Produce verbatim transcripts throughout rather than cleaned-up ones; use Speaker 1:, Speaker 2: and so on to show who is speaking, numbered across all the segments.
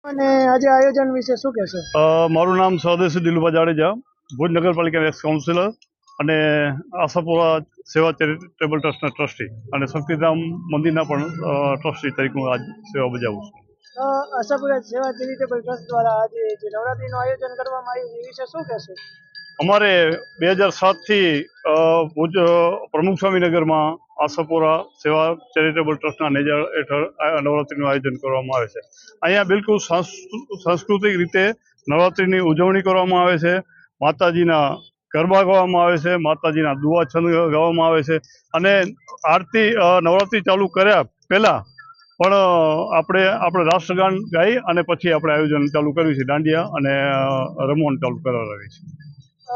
Speaker 1: અને આજે આયોજન વિશે શું કહેશો?
Speaker 2: અ, મારું નામ સ્વદેશી દિલુભા જાડેજા, ભુજ નગરપાલિકા એક્સ કાઉન્સિલર અને આશાપુરા સેવા ચેરિટેબલ ટ્રસ્ટના ટ્રસ્ટી અને શક્તિધામ મંદિરના પણ અ, ટ્રસ્ટી તરીકે હું આજ સેવા બજાવું છું.
Speaker 1: અ, આશાપુરા સેવા ચેરિટેબલ ટ્રસ્ટ દ્વારા આજે જે નવરાત્રીનું આયોજન કરવામાં આવ્યું એ વિશે શું કહેશો?
Speaker 2: અમારે બે હજાર સાતથી ભુજ અ, પ્રમુખ સ્વામીનગરમાં આશાપુરા સેવા ચેરિટેબલ ટ્રસ્ટના નેજા હેઠળ આ નવરાત્રિનું આયોજન કરવામાં આવે છે. અહીંયા બિલકુલ સાંસ્કૃ- સાંસ્કૃતિક રીતે નવરાત્રિની ઉજવણી કરવામાં આવે છે. માતાજીના ગરબા ગાવામાં આવે છે, માતાજીના દુઆ છંદ ગાવામાં આવે છે અને આરતી અ, નવરાત્રિ ચાલુ કર્યા પહેલાં પણ અ, આપણે આપણે રાષ્ટ્રગાન ગાઈ અને પછી આપણે આયોજન ચાલુ કર્યું છે. દાંડિયા અને અ, રમવાનું ચાલુ કરાવી છે.
Speaker 1: અ,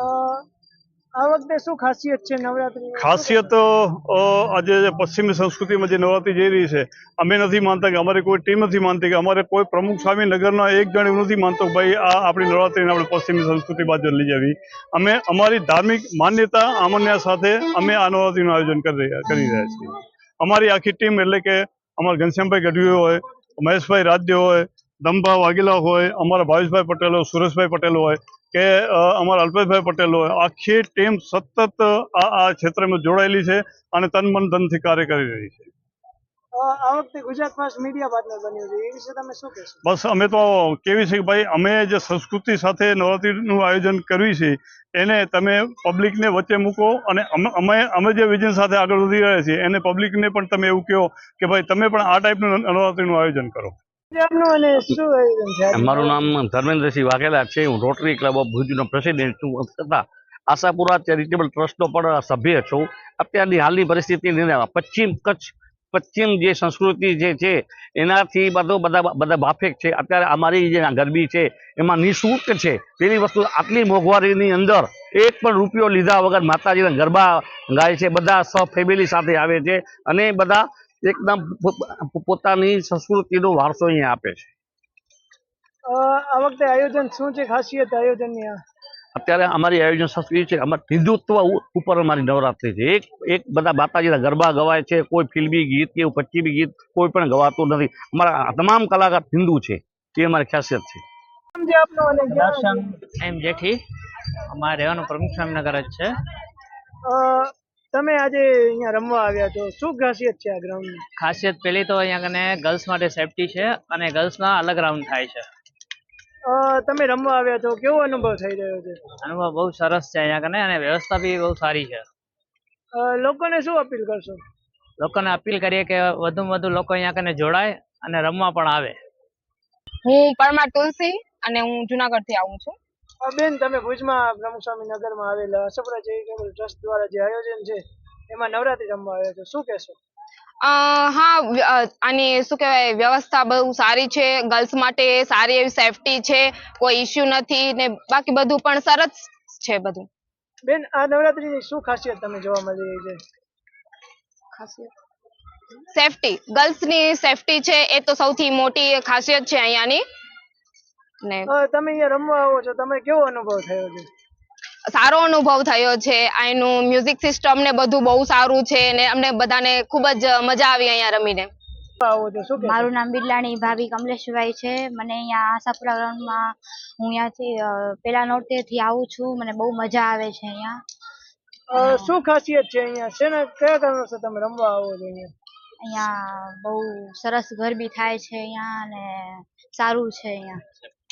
Speaker 1: આ વખતે શું ખાસિયત છે નવરાત્રીની?
Speaker 2: ખાસિયત અ, આજે જે પશ્ચિમી સંસ્કૃતિમાં જે નવરાત્રિ જઈ રહી છે, અમે નથી માનતા કે અમારી કોઈ ટીમ નથી માનતી કે અમારે કોઈ પ્રમુખ સ્વામી નગરના એક જણ એવું નથી માનતો કે ભાઈ આ આપણી નવરાત્રિને આપણે પશ્ચિમી સંસ્કૃતિ બાજુ લઈ જવી. અમે અમારી ધાર્મિક માન્યતા આમન્ય સાથે અમે આ નવરાત્રિનું આયોજન કરી રહ્યા કરી રહ્યા છીએ. અમારી આખી ટીમ એટલે કે અમારા ઘનશ્યામભાઈ ગઢવી હોય, મહેશભાઈ રાજ્ય હોય, દમભા વાઘેલા હોય, અમારા ભાવેશભાઈ પટેલ હોય, સુરેશભાઈ પટેલ હોય કે અ, અમારા અલ્પેશભાઈ પટેલ હોય, આખી ટીમ સતત આ આ ક્ષેત્રમાં જોડાયેલી છે અને તન મન ધનથી કાર્ય કરી રહી છે.
Speaker 1: અ, આ વખતે ગુજરાત ફર્સ્ટ મીડિયા પાર્ટનર બન્યું છે એ વિશે તમે શું કહેશો?
Speaker 2: બસ અમે તો કેવી છે કે ભાઈ અમે જે સંસ્કૃતિ સાથે નવરાત્રિનું આયોજન કર્યું છે એને તમે પબ્લિકને વચ્ચે મૂકો અને અમે અમે અમે જે વિઝન સાથે આગળ વધી રહ્યા છીએ એને પબ્લિકને પણ તમે એવું કહો કે ભાઈ તમે પણ આ ટાઈપનું નવરાત્રિનું આયોજન કરો.
Speaker 1: આપનું અને શું આયોજન છે આજે?
Speaker 3: મારું નામ ધર્મેન્દ્રસિંહ વાઘેલા છે. હું રોટરી ક્લબ ઓફ ભુજનો પ્રેસિડેન્ટ છું તથા આશાપુરા ચેરિટેબલ ટ્રસ્ટનો પણ સભ્ય છું. અત્યારની હાલની પરિસ્થિતિની અંદર પશ્ચિમ કચ્છ પશ્ચિમ જે સંસ્કૃતિ જે છે એનાથી બધો બધા બધા બાફેક છે. અત્યારે અમારી જે ગરબી છે એમાં નિઃશુલ્ક છે. પેલી વસ્તુ આટલી મોંઘવારીની અંદર એક પણ રૂપિયો લીધા વગર માતાજીના ગરબા ગાય છે. બધા સ ફેમિલી સાથે આવે છે અને બધા એકદમ પોતાની સંસ્કૃતિનો વારસો અહીંયા આપે છે.
Speaker 1: અ, આ વખતે આયોજન શું છે, ખાસિયત આયોજનની? આ
Speaker 3: અત્યારે અમારી આયોજન સંસ્કૃતિ છે, અમારે હિન્દુત્વ ઉપર અમારી નવરાત્રિ છે. એક એક બધા માતાજીના ગરબા ગવાય છે. કોઈ ફિલ્મી ગીત કે પશ્ચિમી ગીત કોઈ પણ ગવાતું નથી. અમારા તમામ કલાકાર હિન્દુ છે, એ અમારી ખાસિયત છે.
Speaker 1: નામ છે આપનું અને ક્યાં?
Speaker 4: દર્શન એમ જેઠી, અમારે રહેવાનું પ્રમુખ સ્વામીનગર જ છે.
Speaker 1: અ, તમે આજે અહીંયા રમવા આવ્યા છો, શું ખાસિયત છે આ ગ્રાઉન્ડની?
Speaker 4: ખાસિયત પેલી તો અહીંયા કને ગર્લ્સ માટે સેફટી છે અને ગર્લ્સના અલગ રાઉન્ડ થાય છે.
Speaker 1: અ, તમે રમવા આવ્યા છો, કેવો અનુભવ થઈ રહ્યો છે?
Speaker 4: અનુભવ બહુ સરસ છે અહીંયા કને અને વ્યવસ્થા બી બહુ સારી છે.
Speaker 1: અ, લોકોને શું અપીલ કરશો?
Speaker 4: લોકોને અપીલ કરીએ કે વધુમાં વધુ લોકો અહીંયા કને જોડાય અને રમવા પણ આવે.
Speaker 5: હું પરમાર તુલસી અને હું જુનાગઢ થી આવું છું.
Speaker 1: અ, બેન, તમે ભુજમાં પ્રમુખ સ્વામી નગરમાં આવેલા આશાપુરા ચેરિટેબલ ટ્રસ્ટ દ્વારા જે આયોજન છે એમાં નવરાત્રી રમવા આવ્યા છો, શું કહેશો?
Speaker 5: અ હા, વ્ય- અ, આની શું કહેવાય, વ્યવસ્થા બહુ સારી છે. ગર્લ્સ માટે સારી એવી સેફટી છે, કોઈ ઇસ્યુ નથી ને બાકી બધું પણ સરસ છે બધું.
Speaker 1: બેન, આ નવરાત્રીની શું ખાસિયત તમે જોવા મળી રહી છે?
Speaker 5: સેફટી, ગર્લ્સ ની સેફટી છે એ તો સૌથી મોટી ખાસિયત છે અહીંયાની. ને
Speaker 1: અ, તમે અહીંયા રમવા આવો છો, તમે કેવો અનુભવ થયો છે?
Speaker 5: સારો અનુભવ થયો છે. અહીંનું મ્યુઝિક સિસ્ટમ ને બધું બહુ સારું છે ને અમને બધાને ખૂબ જ મજા આવી અહીંયા રમીને.
Speaker 1: આવો છો, શું કહેશો?
Speaker 6: મારું નામ બિરલાણી ભાભી કમલેશભાઈ છે. મને અહીંયા આશાપુરા ગ્રાઉન્ડમાં હું અહીંયાથી અ, પેલા નોરતેથી આવું છું. મને બહુ મજા આવે છે અહીંયા.
Speaker 1: અ, શું ખાસિયત છે અહીંયા? શેના કયા કારણોસર તમે રમવા આવો છો અહીંયા?
Speaker 6: અહીંયા બહુ સરસ ગરબી થાય છે અહીંયા અને સારું છે અહીંયા.